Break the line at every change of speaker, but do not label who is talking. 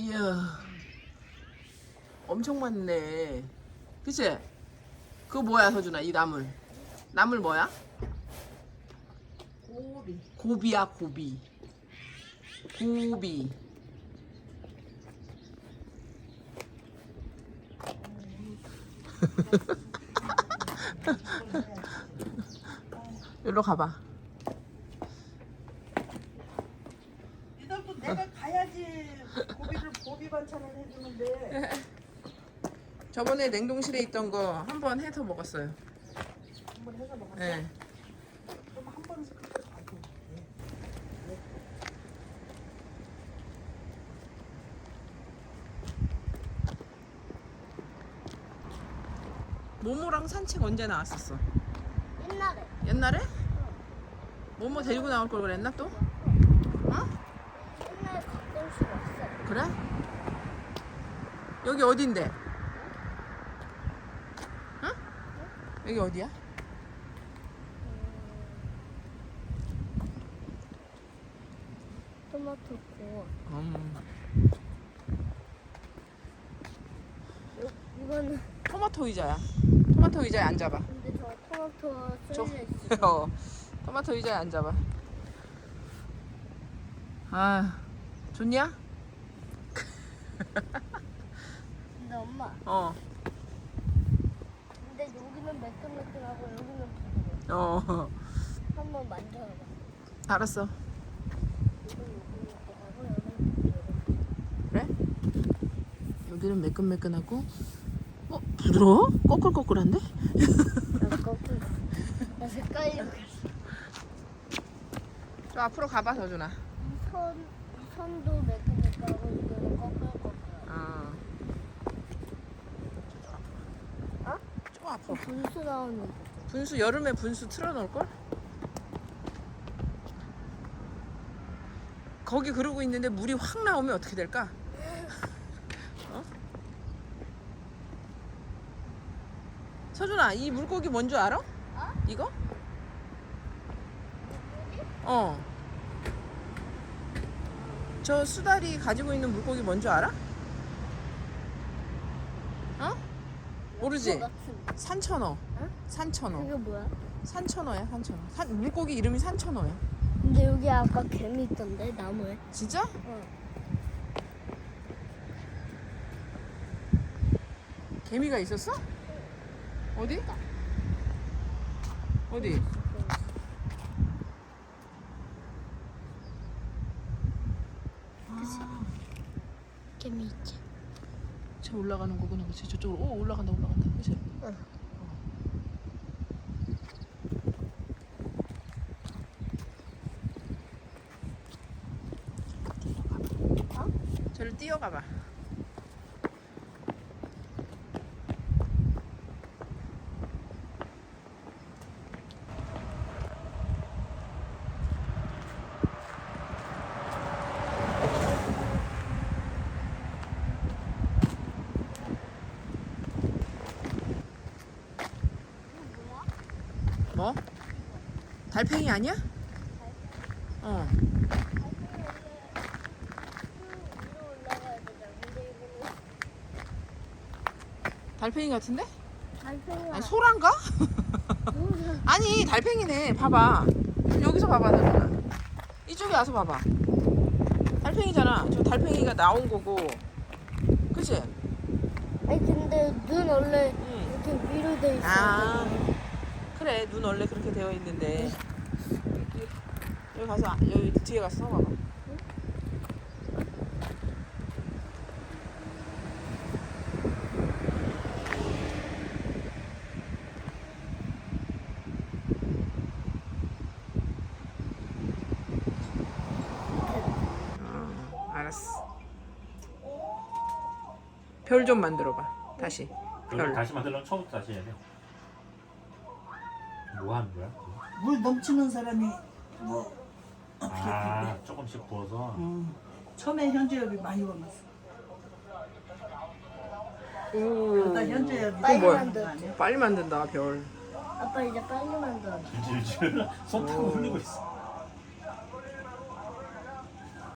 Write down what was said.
이야, 엄청 많네. 그치? 그거 뭐야, 서준아? 이 나물. 나물 뭐야?
고비.
고비야, 고비. 고비. 여기로 가봐.
니들도 내가 가야지 고비 반찬을 해주는데.
저번에 냉동실에 있던 거 한 번 해서 먹었어요.
한번 해서 먹었어.
네.
그럼 한 번씩 그렇게 가고.
모모랑 산책 언제 나왔었어?
옛날에.
옛날에? 모모 데리고 나올 걸 그랬나 또? 어?
옛날에 가끔씩 왔어.
그래? 여기 어딘데? 응? 여기 어디야?
토마토 고. 이거는
토마토 의자야. 토마토 의자에 앉아봐.
근데 저 토마토
저-
쏠려 있어.
어, 토마토 의자에 앉아봐. 아, 좋냐?
근데 엄마,
어,
근데 여기는 매끈매끈하고 여기는 부드러워.
어,
한번 만져봐.
알았어.
여기는 매끈매끈하고 여기는 부드러워.
그래? 여기는 매끈매끈하고, 부드러워? 꺼끌꺼끌한데?
나 거꾸로. 나 색깔이
저 앞으로 가봐, 서준아.
이 선도 매끈매끈하고 이거는 거꾸로.
어.
어?
저 앞으로.
분수 나오는 거.
분수, 여름에 분수 틀어놓을걸? 거기 그러고 있는데 물이 확 나오면 어떻게 될까? 어? 서준아, 이 물고기 뭔 줄 알아? 이거? 어. 저 수달이 가지고 있는 물고기 뭔 줄 알아? 어? 모르지?
그거 같은.
산천어.
응?
산천어.
그게 뭐야?
산천어야, 산천어. 물고기 이름이 산천어야.
근데 여기 아까 개미 있던데 나무에.
진짜?
응.
개미가 있었어? 어디? 어디?
개미 있지.
저 올라가는 거구나, 그치? 저쪽으로. 오, 올라간다, 올라간다. 그치?
응.
저를 뛰어가봐. 뭐? 달팽이 아니야? 어.
위로 올라가야 되잖아. 근데 이거는
달팽이 같은데?
달팽이가
아니, 소란가? 아니, 달팽이네. 봐봐. 여기서 봐봐, 달팽아. 이쪽에 와서 봐봐. 달팽이잖아. 저 달팽이가 나온 거고. 그치?
아니 근데 눈 원래
응.
이렇게 위로 돼 있어.
아, 그래. 눈 원래 그렇게 되어 있는데. 여기 가서, 여기 뒤에 가서 서봐봐. 알았어. 별 좀 만들어봐. 다시.
이걸
별.
다시 만들려면 처음부터 다시 해야 돼. 뭐 하는 거야?
물 넘치는 사람이 뭐 어떻게
아,
돼?
조금씩 부어서.
처음에 현주엽이 많이 와봤어.
오.
그러다 현주엽이
빨리
뭐야?
많이 거 아니야?
빨리 만든다, 별.
아빠 이제 빨리 만들어.
질질 손 타고 흘리고 있어.